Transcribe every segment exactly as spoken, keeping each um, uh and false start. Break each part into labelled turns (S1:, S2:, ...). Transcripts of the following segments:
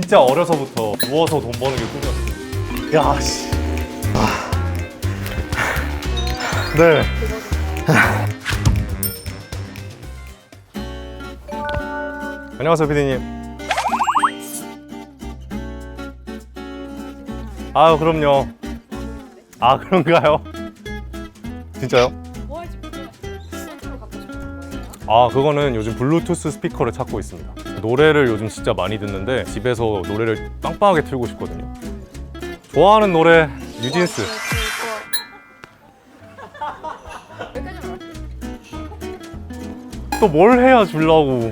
S1: 진짜 어려서부터 누워서 돈 버는 게 꿈이었어요. 야, 씨. 아. 네. 안녕하세요, 피디님. 아유, 그럼요. 아, 그런가요? 진짜요?
S2: 뭐 할지 모르겠어요. 스스로 갖고 싶은 거예요?
S1: 아, 그거는 요즘 블루투스 스피커를 찾고 있습니다. 노래를 요즘 진짜 많이 듣는데 집에서 노래를 빵빵하게 틀고 싶거든요. 좋아하는 노래 뉴진스.
S2: 여기까지만 할게요.
S1: 또 뭘 해야 주려고.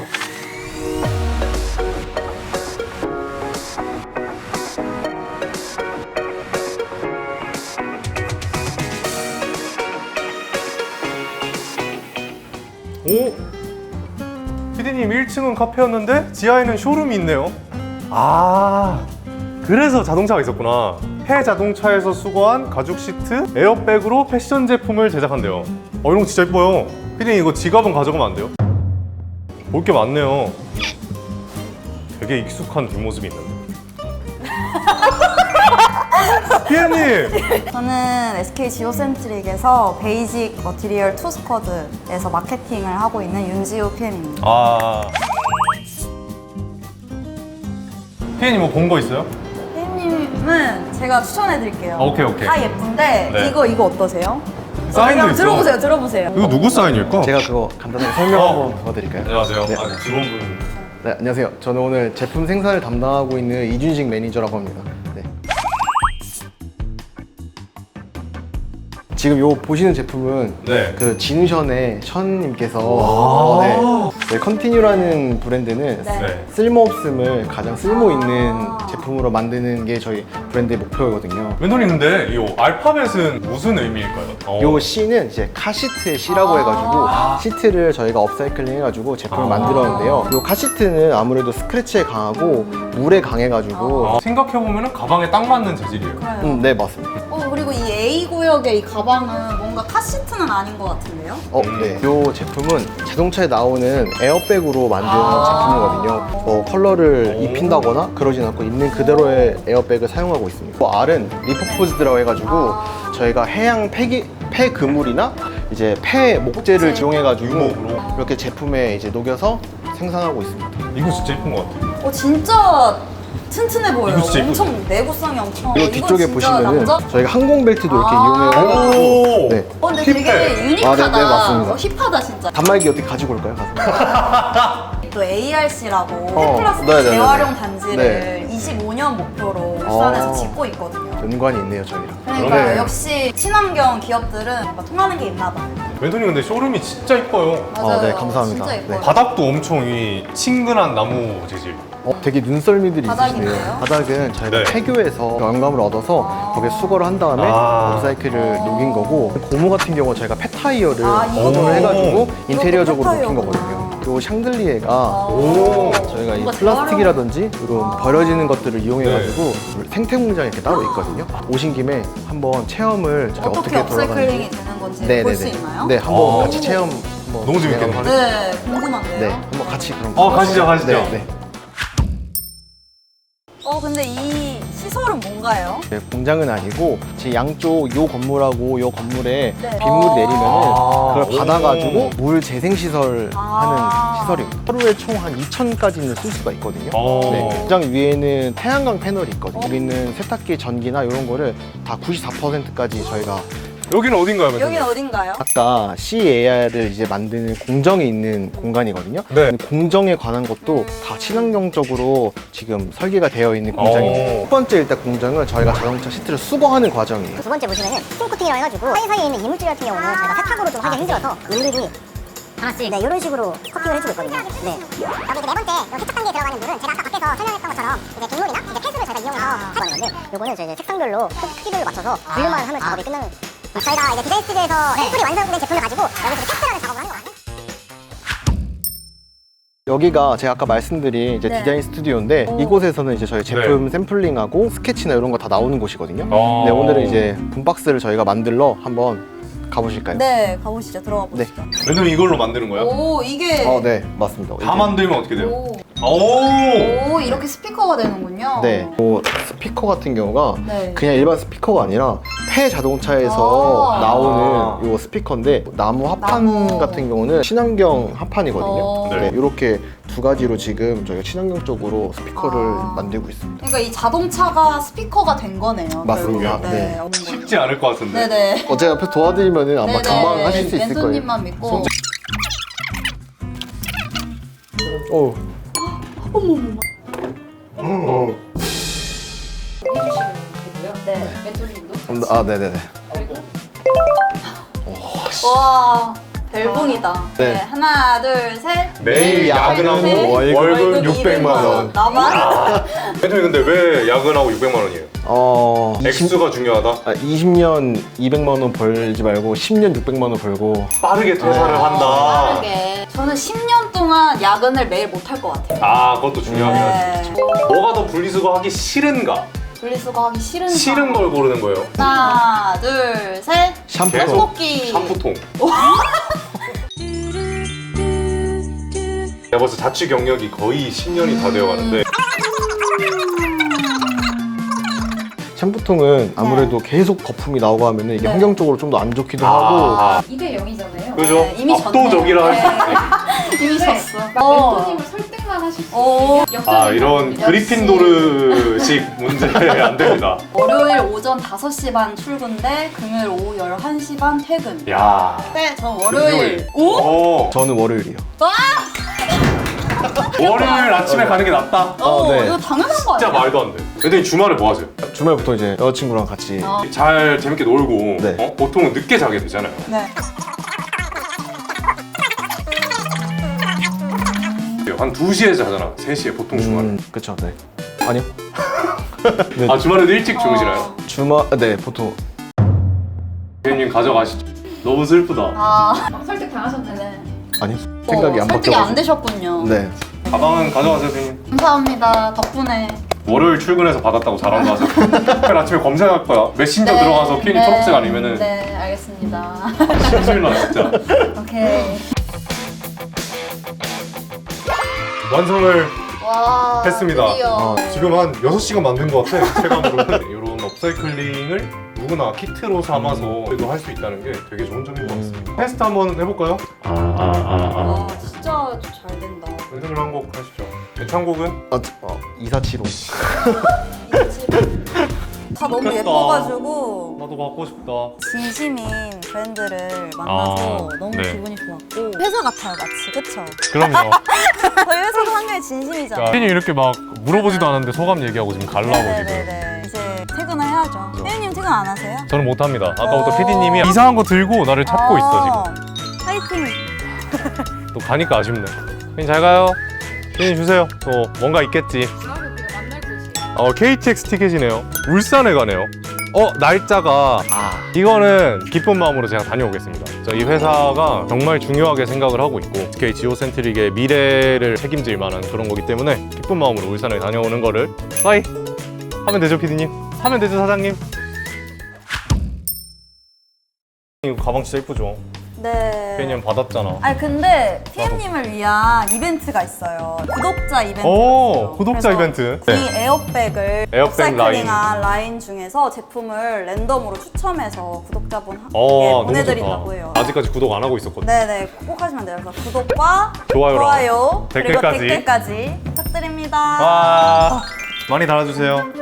S1: 오? 피디님 일 층은 카페였는데 지하에는 쇼룸이 있네요. 아, 그래서 자동차가 있었구나. 해 자동차에서 수거한 가죽 시트, 에어백으로 패션 제품을 제작한대요. 어, 이런 거 진짜 예뻐요. 피디님 이거 지갑은 가져가면 안 돼요? 볼 게 많네요. 되게 익숙한 뒷모습이 있는데. 피디님!
S3: 저는 에스케이 지오센트릭에서 베이직 머티리얼 투 스쿼드에서 마케팅을 하고 있는 윤지호 피엠입니다.
S1: 아. 피디님 뭐 본 거 있어요?
S3: 피엠님은 제가 추천해드릴게요.
S1: 오케이, 오케이.
S3: 다 예쁜데
S1: 네.
S3: 이거 이거 어떠세요?
S1: 사인도
S3: 한번
S1: 있어.
S3: 들어보세요, 들어보세요.
S1: 이거 누구 사인일까?
S4: 제가 그거 간단하게 설명
S1: 어.
S4: 한번 부탁드릴까요?
S1: 안녕하세요.
S4: 네.
S1: 아, 직원분.
S4: 네, 안녕하세요. 저는 오늘 제품 생산을 담당하고 있는 이준식 매니저라고 합니다. 네. 지금 요 보시는 제품은
S1: 네.
S4: 그 진우션의 션님께서 네, 네, 컨티뉴라는 브랜드는
S3: 네.
S1: 네.
S4: 쓸모없음을 가장 쓸모 있는 제품으로 만드는 게 저희 브랜드의 목표거든요.
S1: 멘토님 근데 이 알파벳은 무슨 의미일까요? 어.
S4: 요 C는 이제 카시트의 C라고 해가지고 시트를 저희가 업사이클링 해가지고 제품을
S1: 아.
S4: 만들었는데요. 요 카시트는 아무래도 스크래치에 강하고 물에 강해가지고
S1: 아, 생각해보면 가방에 딱 맞는 재질이에요.
S4: 음, 네 맞습니다.
S3: 어, 그리고 이 A 구역의 이 가방은 뭔가 카시트는 아닌 것 같은데요?
S4: 어,
S1: 음.
S4: 네. 요 제품은 자동차에 나오는 에어백으로 만든
S3: 아.
S4: 제품이거든요. 뭐 컬러를
S1: 오.
S4: 입힌다거나 그러진 않고 있는 그대로의 에어백을 사용하고 있습니다. 또 R은 리퍼포즈드라고 해가지고 저희가 해양 폐기, 폐그물이나 이제 폐 목재를 이용해가지고
S1: 유목으로?
S4: 이렇게 제품에 이제 녹여서 생산하고 있습니다.
S1: 이거 진짜 예쁜 것 같아요.
S3: 어, 진짜 튼튼해 보여요.
S1: 이거 진짜
S3: 엄청 내구성이 엄청.
S4: 그리고
S3: 이건
S4: 뒤쪽에
S3: 진짜
S4: 보시면은
S3: 남자?
S4: 저희가 항공벨트도 이렇게
S3: 아.
S4: 이용해가지고
S1: 오!
S4: 네.
S3: 어, 근데
S1: 힙해.
S3: 되게 유니크하다.
S4: 아, 네, 네, 맞습니다.
S3: 어, 힙하다 진짜.
S4: 단말기 어떻게 가지고 올까요? 가서?
S3: 또 에이알씨라고
S4: 어,
S3: 폐플라스틱
S4: 네네네네.
S3: 재활용 단지를
S4: 네.
S3: 이십오 년 목표로 울산에서
S4: 어.
S3: 짓고 있거든요.
S4: 연관이 있네요 저희랑.
S3: 그러니까
S1: 그러네.
S3: 역시 친환경 기업들은 뭔가 통하는 게 있나 봐요.
S1: 멘토님 근데 쇼룸이 진짜 예뻐요.
S3: 맞아요.
S4: 네, 감사합니다.
S3: 진짜 예뻐요.
S4: 네.
S1: 바닥도 엄청 이 친근한 나무 재질.
S4: 어, 되게 눈썰미들이
S3: 바닥인데요?
S4: 있으시네요. 바닥은 저희가
S1: 네.
S4: 폐교에서 영감을 얻어서
S3: 아.
S4: 거기에 수거를 한 다음에
S1: 아.
S4: 업사이클을 녹인 거고 고무 같은 경우 저희가 폐타이어를
S3: 아, 이것도?
S4: 고무를 해가지고
S3: 이것도
S4: 인테리어적으로 녹인
S3: 폐타이어구나.
S4: 거거든요. 요 샹들리에가
S1: 오!
S4: 저희가 이
S3: 뭔가
S4: 플라스틱이라든지 이런 버려지는 것들을 이용해가지고
S3: 네.
S4: 생태 공장이 이렇게 따로 있거든요. 오신 김에 한번 체험을 저희
S3: 어떻게 업사이클링이 되는 건지 볼 수 있나요?
S4: 네, 한번
S1: 아.
S4: 같이 체험 한번
S1: 너무 재밌겠네.
S4: 진행하도록 하겠습니다.
S3: 네, 궁금한데요.
S4: 네, 한번 같이 그럼.
S1: 어, 가시죠, 가시죠.
S4: 네, 네.
S3: 어, 근데 이 시설은 뭔가요?
S4: 네, 공장은 아니고 제 양쪽 요 건물하고 요 건물에
S3: 네.
S4: 빗물이
S3: 어.
S4: 내리면은
S1: 아.
S4: 그걸 받아가지고 물 재생 시설
S3: 아.
S4: 하는 시설입니다. 하루에 총 한 이천까지는 쓸 수가 있거든요.
S1: 어.
S4: 네, 공장 위에는 태양광 패널이 있거든요. 우리는 세탁기 전기나 이런 거를 다 구십사 퍼센트까지 저희가
S1: 여기는 어딘가요, 멘토님?
S3: 여긴 어딘가요?
S4: 아까 씨에이알을 이제 만드는 공정에 있는 공간이거든요.
S1: 네.
S4: 공정에 관한 것도 다 친환경적으로 지금 설계가 되어 있는 공장입니다.
S1: 오.
S4: 첫 번째 일단 공정은 저희가 자동차 시트를 수거하는 과정이에요.
S5: 두 번째 보시면은 스팀코팅이라고 해가지고 사이사이에 있는 이물질 같은 경우는 저희가 세탁으로 좀 하기 힘들어서 은근히 하나씩 네 이런 식으로 커팅을 해주고 있거든요. 네. 여기 이제 네 번째 이런 세탁 단계에 들어가는 물은 제가 아까 밖에서 설명했던 것처럼 이제 빗물이나 이제 폐수를 저희가 이용해서 하는 건데 요거는 이제 색상별로 크- 크기별로 맞춰서 분류만 하면 작업이 끝나는 거예요. 저희가 이제 디자인 스튜디오에서 샘플이 완성된 제품을 가지고 여기서 테스트라는 작업을 하는 거거든요.
S4: 여기가 제가 아까 말씀드린 이제
S3: 네.
S4: 디자인 스튜디오인데 이곳에서는 이제 저희 제품 샘플링하고 스케치나 이런 거 다 나오는 곳이거든요.
S1: 어.
S4: 네, 오늘은 이제 분박스를 저희가 만들러 한번 가보실까요?
S3: 네, 가보시죠. 들어가
S4: 네.
S3: 보시죠.
S1: 멘토님 이걸로 만드는 거예요?
S3: 오, 이게
S4: 어, 네, 맞습니다.
S1: 다 만들면 어떻게 돼요?
S3: 오.
S1: 오.
S3: 오, 이렇게 스피커가 되는군요.
S4: 네. 뭐 스피커 같은 경우가
S3: 네.
S4: 그냥 일반 스피커가 아니라 폐 자동차에서
S3: 아.
S4: 나오는 요 스피커인데 나무 합판
S3: 나무.
S4: 같은 경우는 친환경 합판이거든요.
S3: 어.
S4: 네. 이렇게 두 가지로 지금 저희가 친환경 쪽으로 스피커를
S3: 아.
S4: 만들고 있습니다.
S3: 그러니까 이 자동차가 스피커가 된 거네요.
S4: 맞습니다.
S3: 결국은.
S4: 네.
S3: 어머.
S1: 쉽지 않을 것 같은데.
S3: 네네.
S4: 어, 제가 옆에서 도와드리면 아마
S3: 네네.
S4: 금방 하실 수 있을 거예요.
S3: 멘토님만 믿고.
S4: 오.
S2: 해주시면 되고요.
S3: 네.
S2: 멘토님도.
S4: 아, 네네네.
S2: 그리고
S3: 와, 벨붕이다.
S4: 네.
S3: 네. 하나, 둘, 셋.
S1: 매일 야근하고
S3: 셋.
S1: 월급
S3: 월급
S1: 육백만 원.
S3: 나만?
S1: 멘토님 근데 왜 야근하고 육백만 원이에요?
S4: 어.
S1: 액수가 중요하다?
S4: 아, 이십 년 이백만 원 벌지 말고 십 년 육백만 원 벌고.
S1: 빠르게 퇴사를 한다.
S3: 빠르게. 저는 십 년 동안 야근을 매일 못 할 것 같아요.
S1: 아, 그것도 중요하긴 하지.
S3: 네.
S1: 뭐가 더 분리수거 하기 싫은가?
S3: 분리수거 하기 싫은
S1: 싫은 걸 고르는 거예요.
S3: 하나, 둘, 셋.
S4: 샴푸.
S1: 계속
S3: 떡볶이.
S1: 샴푸통. 내가 벌써 자취 경력이 거의 십 년이 다 되어 가는데
S4: 샴푸통은 아무래도 계속 거품이 나오고 하면은 이게
S3: 네.
S4: 환경적으로 좀 더 안 좋기도 하고.
S1: 아,
S2: 이 대 영이잖아요.
S1: 그죠?
S3: 네, 이미
S1: 압도적이라 할 수
S3: 졌네.
S1: 있지.
S3: 이미
S2: 네.
S3: 졌어.
S2: 막
S3: 어.
S2: 멘토님을 설득만 하실 수
S3: 오.
S2: 있어요.
S1: 아, 이런
S3: 역시.
S1: 그리핀도르식 문제 안 됩니다.
S3: 월요일 오전 다섯 시 반 출근대 금요일 오후 열한 시 반 퇴근.
S1: 야.
S3: 네, 전 월요일. 오?
S1: 오.
S4: 저는 월요일이요.
S1: 월요일 아침에 가는 게 낫다.
S3: 어,
S4: 네.
S3: 이거 당연한 거
S1: 진짜
S3: 아니야?
S1: 말도 안 돼. 근데 주말에 뭐 하세요?
S4: 주말부터 이제 여자친구랑 같이.
S3: 어.
S1: 잘 재밌게 놀고
S4: 네.
S1: 어? 보통은 늦게 자게 되잖아요.
S3: 네.
S1: 한 두 시에 자잖아. 세 시에 보통 주말에.
S4: 음, 그쵸, 네. 아니요. 네.
S1: 아, 주말에도 일찍 주무시나요?
S4: 주말, 네, 보통.
S1: 대표님 가져가시죠. 너무 슬프다.
S3: 아,
S2: 막 설득 당하셨네.
S3: 네네.
S4: 아니, 생각이
S3: 어,
S4: 안
S3: 설득이 안
S4: 바뀌어가지고.
S3: 되셨군요.
S4: 네.
S1: 가방은 가져가세요, 대표님.
S3: 감사합니다. 덕분에.
S1: 월요일 출근해서 받았다고 자랑도 하세요. 내일 아침에 검색할 거야. 메신저
S3: 네,
S1: 들어가서 피엔이
S3: 네,
S1: 초록색 아니면은
S3: 네, 알겠습니다.
S1: 심술나 진짜.
S3: 오케이.
S1: 완성을
S3: 와.
S1: 했습니다.
S3: 드디어.
S4: 어,
S1: 지금 한 여섯 시간 만든 것 같아. 체감으로는. 이런 업사이클링을 누구나 키트로 삼아서 그래도 할 수 있다는 게 되게 좋은 점인 것 같습니다. 테스트 한번 해볼까요?
S3: 와, 진짜 잘 된다.
S1: 연습을 한 곡 하시죠. 애창곡은?
S4: 어, 어, 이사칠오.
S3: 다 너무
S1: 좋겠다.
S3: 예뻐가지고
S1: 나도 받고 싶다.
S3: 진심인 브랜드를 만나서
S1: 아,
S3: 너무
S1: 네.
S3: 기분이 좋았고 회사 같아요 마치 그쵸?
S1: 그럼요.
S3: 저희 회사도 상당히 진심이잖아요.
S1: 피디님 이렇게 막 물어보지도 않았는데 소감 얘기하고 지금 갈라고 지금.
S3: 네네네 이제 퇴근을 해야죠. 피디님 퇴근 안 하세요?
S1: 저는 못합니다. 아까부터
S3: 어.
S1: 피디님이 이상한 거 들고 나를 찾고 있어 지금.
S3: 지금. 파이팅.
S1: 또 가니까 아쉽네. 피디님 잘 가요. 피디님 주세요. 또 뭔가 있겠지.
S2: 다음에 우리가 만날 곳이.
S1: 어, 케이티엑스 티켓이네요. 울산에 가네요. 어, 날짜가
S4: 아,
S1: 이거는 기쁜 마음으로 제가 다녀오겠습니다. 저 이 회사가 정말 중요하게 생각을 하고 있고 에스케이 지오센트릭의 미래를 책임질 만한 그런 거기 때문에 기쁜 마음으로 울산에 다녀오는 거를 빠이 하면 되죠, 피디님? 하면 되죠, 사장님? 이거 가방 진짜 예쁘죠?
S3: 네.
S1: 피디님 받았잖아.
S3: 아니 근데 피엠님을 위한 이벤트가 있어요. 구독자 이벤트가
S1: 오,
S3: 있어요.
S1: 구독자
S3: 그래서
S1: 이벤트.
S3: 이 에어백을
S1: 에어백
S3: 업사이클링한 라인. 중에서 제품을 랜덤으로 추첨해서 구독자분께
S1: 어, 너무
S3: 보내드린다고
S1: 좋다.
S3: 해요.
S1: 아직까지 구독 안 하고 있었거든.
S3: 네네 꼭 하시면 돼요. 그래서 구독과
S1: 좋아요랑
S3: 좋아요
S1: 댓글까지.
S3: 그리고 댓글까지 부탁드립니다.
S1: 와, 많이 달아주세요.